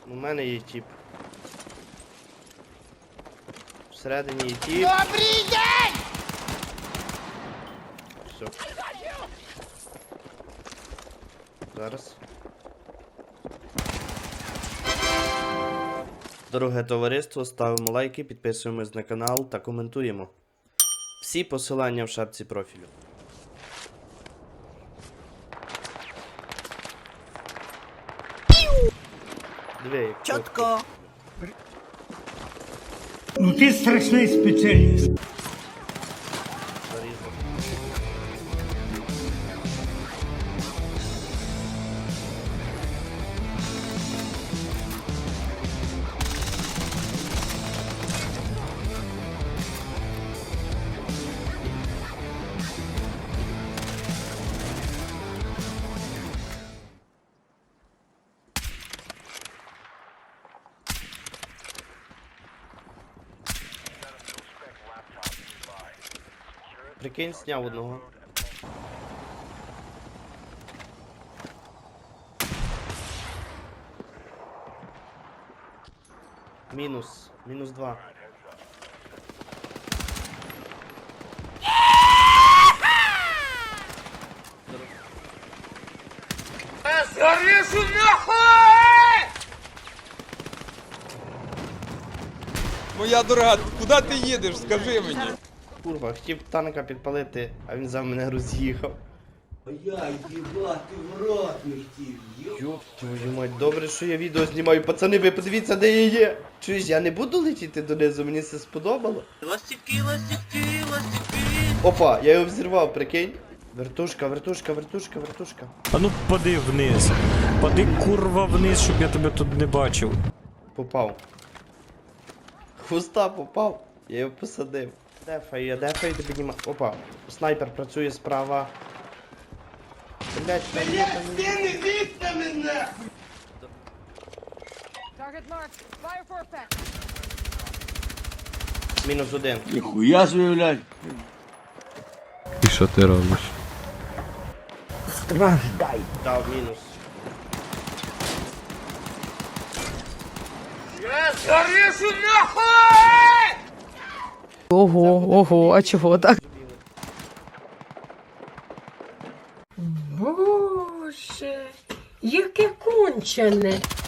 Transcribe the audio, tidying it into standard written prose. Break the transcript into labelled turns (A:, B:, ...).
A: У мене є тіп. Всередині є тіп.
B: Добрий день!
A: Все. Зараз. Дороге товариство, ставимо лайки, підписуємось на канал та коментуємо. Всі посилання в шапці профілю. Диви, як
B: Чотко.
C: Ну ти страшний спеціаліст.
A: зарізав. Прикинь, сняв одного. Мінус. Мінус 2.
B: Зарежу нахуй!
D: Моя дорога, куди ти їдеш? Скажи мені.
A: Курва, хотів танка підпалити, а він за мене роз'їхав.
E: Я їбати в рот не хотів,
A: Ёб твою мать, добре, що я відео знімаю. Пацани, ви подивіться, де я є. Чуєш, я не буду летіти донизу, мені це сподобало.
B: Ластівки, ластівки, ластівки.
A: Опа, я його взірвав, прикинь. Вертушка, вертушка, вертушка, вертушка.
F: А ну пади вниз. Пади курва вниз, щоб я тебе тут не бачив.
A: Попав. Хуста попав. Я його посадив. Дефаю, ти піднімаю. Опа, снайпер працює справа. Блять,
E: Ти не бійся мене!
G: Target marked. Fire for effect.
A: Мінус 1.
E: Ніхуя собі, блядь.
H: І що ти робиш?
A: Дав мінус.
B: Зарежу нахуй!
I: Ого, а чого так?
J: Боже, яке кончене.